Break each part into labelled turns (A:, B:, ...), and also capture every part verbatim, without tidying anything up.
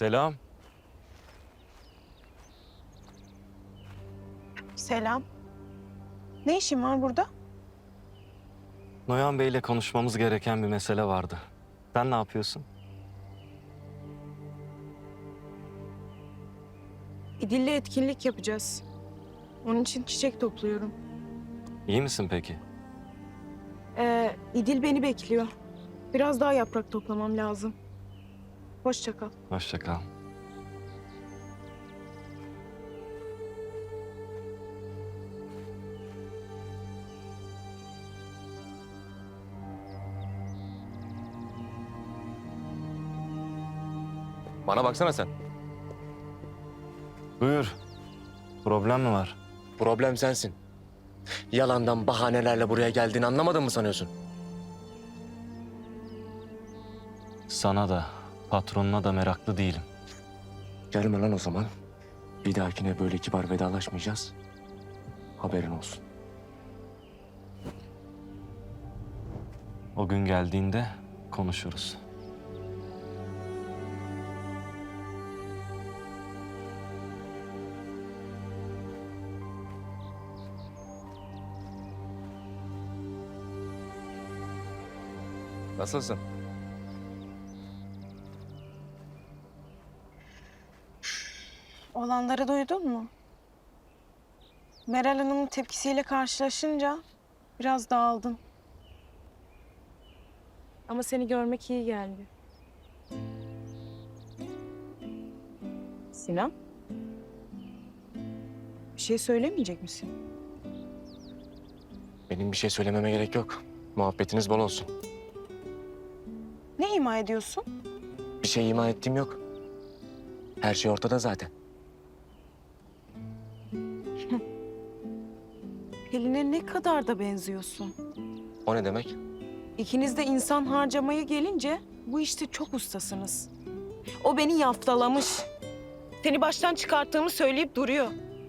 A: Selam.
B: Selam. Ne işin var burada?
A: Noyan Bey'le konuşmamız gereken bir mesele vardı. Sen ne yapıyorsun?
B: İdil'le etkinlik yapacağız. Onun için çiçek topluyorum.
A: İyi misin peki?
B: Ee, İdil beni bekliyor. Biraz daha yaprak toplamam lazım. Hoşça kal.
A: Hoşça kal.
C: Bana baksana sen.
A: Buyur. Problem mi var?
C: Problem sensin. Yalandan bahanelerle buraya geldiğini anlamadın mı sanıyorsun?
A: Sana da, patronuna da meraklı değilim.
C: Gelme lan o zaman. Bir dahakine böyle kibar vedalaşmayacağız. Haberin olsun.
A: O gün geldiğinde konuşuruz.
C: Nasılsın?
B: Olanları duydun mu? Meral Hanım'ın tepkisiyle karşılaşınca biraz dağıldım. Ama seni görmek iyi geldi. Sinan? Bir şey söylemeyecek misin?
C: Benim bir şey söylememe gerek yok. Muhabbetiniz bol olsun.
B: Ne ima ediyorsun?
C: Bir şey ima ettiğim yok. Her şey ortada zaten.
B: Pelin'e ne kadar da benziyorsun.
C: O ne demek?
B: İkiniz de insan harcamaya gelince bu işte çok ustasınız. O beni yaftalamış. Seni baştan çıkarttığımı söyleyip duruyor.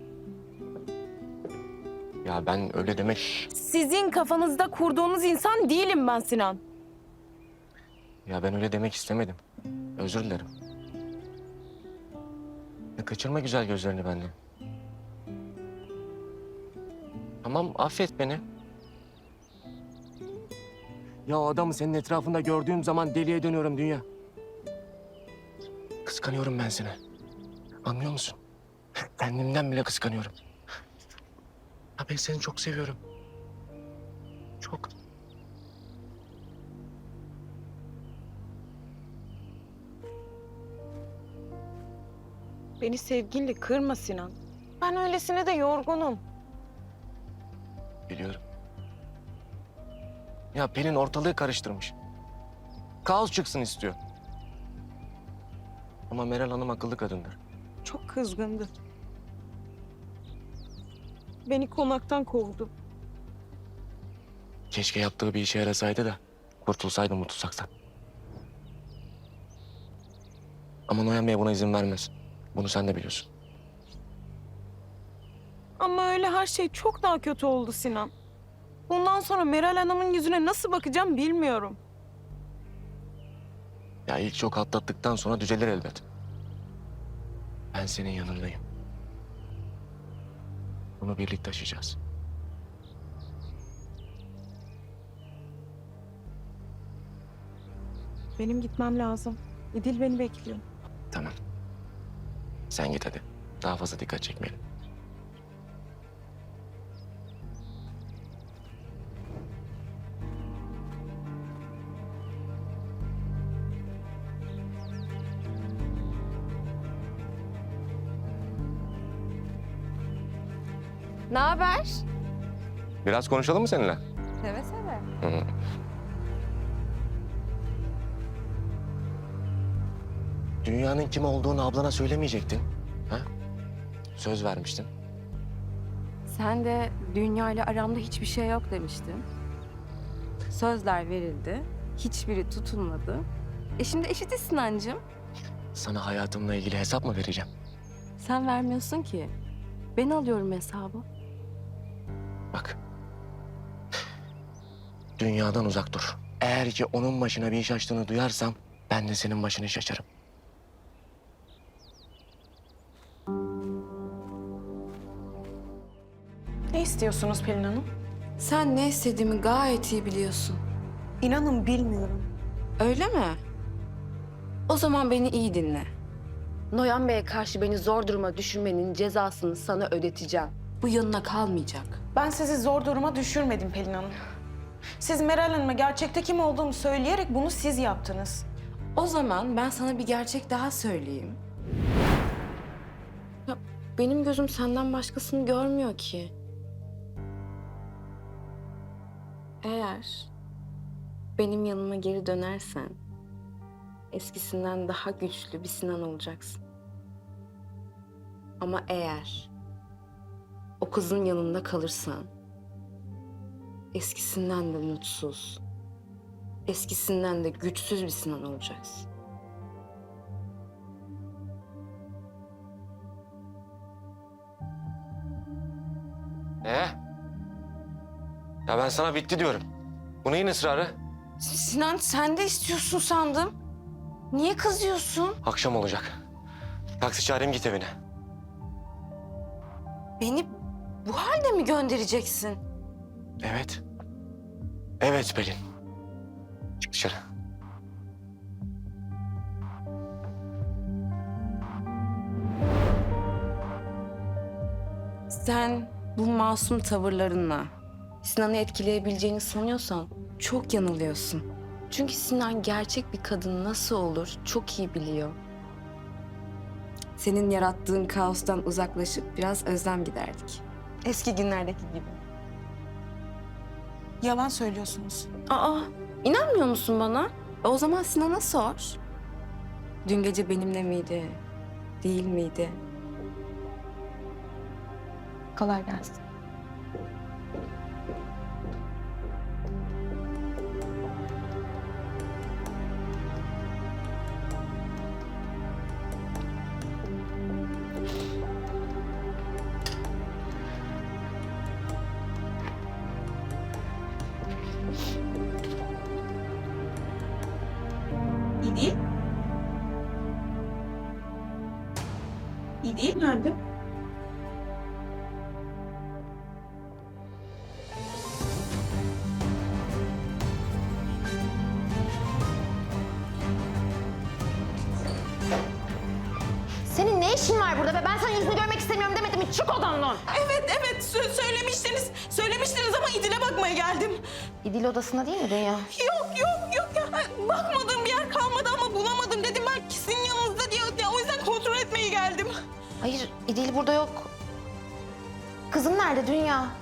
C: Ya ben öyle demek...
B: Sizin kafanızda kurduğunuz insan değilim ben Sinan.
C: Ya ben öyle demek istemedim. Özür dilerim. Ya kaçırma güzel gözlerini benden. Tamam, affet beni. Ya o adamı senin etrafında gördüğüm zaman deliye dönüyorum dünya. Kıskanıyorum ben seni. Anlıyor musun? Kendimden bile kıskanıyorum. Ya ben seni çok seviyorum. Çok.
B: Beni sevginle kırma Sinan. Ben öylesine de yorgunum.
C: Biliyorum. Ya Pelin ortalığı karıştırmış. Kaos çıksın istiyor. Ama Meral Hanım akıllı kadındır.
B: Çok kızgındı. Beni konaktan kovdu.
C: Keşke yaptığı bir işe yarasaydı da kurtulsaydı bu tuzaktan. Ama Noyan Bey buna izin vermez. Bunu sen de biliyorsun.
B: Ama öyle her şey çok daha kötü oldu Sinan. Bundan sonra Meral Hanım'ın yüzüne nasıl bakacağım bilmiyorum.
C: Ya ilk şok atlattıktan sonra düzelir elbet. Ben senin yanındayım. Bunu birlikte aşacağız.
B: Benim gitmem lazım. İdil beni bekliyor.
C: Tamam. Sen git hadi. Daha fazla dikkat çekmeyelim.
D: Ne haber?
C: Biraz konuşalım mı seninle?
D: Seve seve.
C: Hı. Dünyanın kim olduğunu ablana söylemeyecektin. Ha? Söz vermiştin.
D: Sen de dünya ile aramda hiçbir şey yok demiştin. Sözler verildi. Hiçbiri tutulmadı. E şimdi eşitiz Sinancığım.
C: Sana hayatımla ilgili hesap mı vereceğim?
D: Sen vermiyorsun ki. Ben alıyorum hesabı.
C: Bak. Dünyadan uzak dur. Eğer ki onun başına bir iş açtığını duyarsam ben de senin başını şaşarım.
B: istiyorsunuz Pelin Hanım?
D: Sen ne istediğimi gayet iyi biliyorsun.
B: İnanın bilmiyorum.
D: Öyle mi? O zaman beni iyi dinle. Noyan Bey'e karşı beni zor duruma düşürmenin cezasını sana ödeteceğim. Bu yanına kalmayacak.
B: Ben sizi zor duruma düşürmedim Pelin Hanım. Siz Meral Hanım'a gerçekte kim olduğumu söyleyerek bunu siz yaptınız.
D: O zaman ben sana bir gerçek daha söyleyeyim. Ya benim gözüm senden başkasını görmüyor ki. Eğer benim yanıma geri dönersen eskisinden daha güçlü bir Sinan olacaksın. Ama eğer o kızın yanında kalırsan eskisinden de mutsuz, eskisinden de güçsüz bir Sinan olacaksın.
C: Ee? Ya ben sana bitti diyorum. Bu neyin ısrarı?
D: Sinan sen de istiyorsun sandım. Niye kızıyorsun?
C: Akşam olacak. Taksi çağırayım git evine.
D: Beni bu halde mi göndereceksin?
C: Evet. Evet Pelin. Çık dışarı.
D: Sen bu masum tavırlarınla Sinan'ı etkileyebileceğini sanıyorsan çok yanılıyorsun. Çünkü Sinan gerçek bir kadın nasıl olur çok iyi biliyor. Senin yarattığın kaostan uzaklaşıp biraz özlem giderdik. Eski günlerdeki gibi.
B: Yalan söylüyorsunuz.
D: Aa, inanmıyor musun bana? E, o zaman Sinan'a sor. Dün gece benimle miydi? Değil miydi? Kolay gelsin.
B: İdil? İdil nerede?
E: Senin ne işin var burada be? Ben senin yüzünü görmek istemiyorum demedim mi? Çık odamdan.
B: Evet, evet. Sö- söylemiştiniz. Söylemiştiniz ama İdil'e bakmaya geldim.
E: İdil odasında değil mi Dünya?
B: Yok, yok, yok ya. Bakmadığım bir yer kalmadı ama bulamadım. Dedim belki sizin yanınızda diye. Ya, o yüzden kontrol etmeye geldim.
E: Hayır, İdil burada yok. Kızım nerede Dünya?